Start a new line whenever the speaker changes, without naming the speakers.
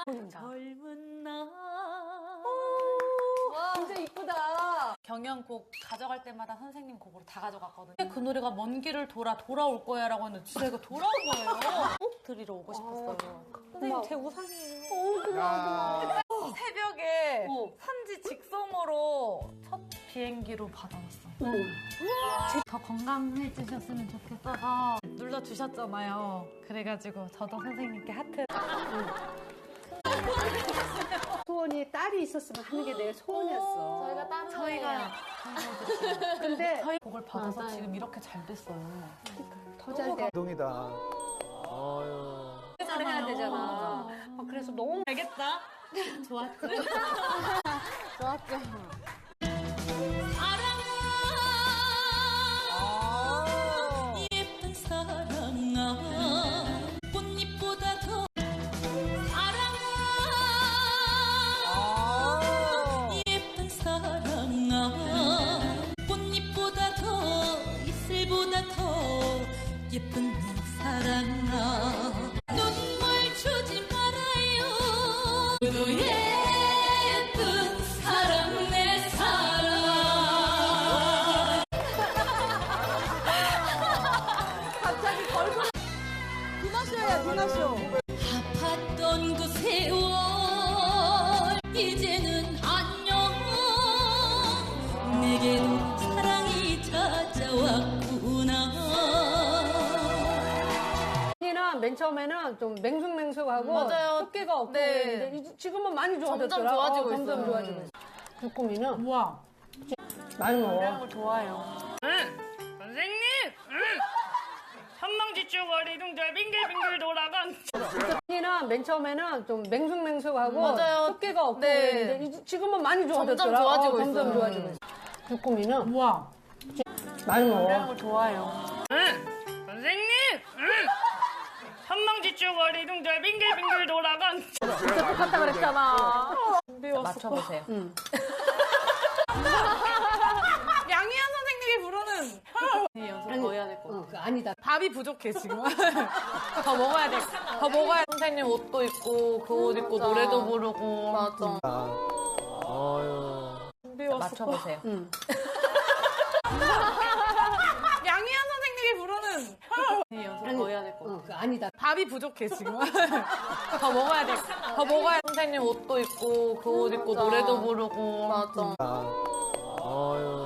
젊은 날.
진짜 이쁘다.
경연곡 가져갈 때마다 선생님 곡으로 다 가져갔거든요. 그 노래가 먼 길을 돌아올 거야 라고 했는데 진짜 이거 돌아온 거예요. 꼭 드리러 오고 싶었어요. 선생님 제 우상이에요.
고마워.
새벽에 산지 직송으로 첫 비행기로 받아왔어요. 더 건강해지셨으면 좋겠어서 눌러주셨잖아요. 그래가지고 저도 선생님께 하트.
소원이 딸이 있었으면 하는 게 내 소원이었어.
저희가 다른
저희가
근데
저희 복을 받아서 지금 이렇게 잘 됐어요.
더 잘 돼.
감동이다. 아유.
잘 해야 되잖아. 그래서 너무
알겠다. 좋았죠.
좋았죠.
사랑아, 예쁜 사랑아, 꽃잎보다 더 사랑아, 예쁜 사랑아, 꽃잎보다 더 이슬보다 더 예쁜 내 사랑아, 눈물 주지 말아요. 그 예쁜 사랑 내 사랑.
갑자기 걸고. 디너쇼야, 디너쇼.
아팠던 그 세월 이제는 안녕. 내게도 사랑이 찾아왔구나.
언니는 맨 처음에는 좀 맹숭맹숭하고
맞아요.
숫기가 없고
네.
그랬는데 지금은 많이 좋아졌더라.
점점 좋아지고
점점
있어요.
좋아지고 있어. 주꾸미는
우와.
많이 먹어.
좋아요.
선생님! 한망지축거리 둥절 빙글빙글 돌아간.
언니는 맨 처음에는 좀 맹숭맹숭하고
맞아요.
숫기가 없고
네.
그랬는데 지금은 많이 좋아졌더라.
점점 좋아지고
점점
있어요.
좋아지고 있어. 주꾸미는
우와.
많이 먹어.
좋아요.
선생님! 한망지축거리 둥절 빙글빙글 돌아간.
진짜 똑같다 그랬잖아.
맞춰보세요.
양희연 선생님이 부르는 연습 더 해야 될 것 같아.
그거 아니다.
밥이 부족해 지금. 더 먹어야 돼. 더 먹어야 돼. 선생님 옷도 입고 그 옷 입고
맞아.
노래도 부르고.
맞아.
아유.
맞춰보세요.
양희연 선생님이 부르는 연습 더 해야 될 것 같아.
그거 아니다.
밥이 부족해 지금. 더 먹어야 돼. 더 먹어야 돼. 선생님 옷도 입고 그 옷 입고
맞아.
노래도 부르고.
맞아.
아유.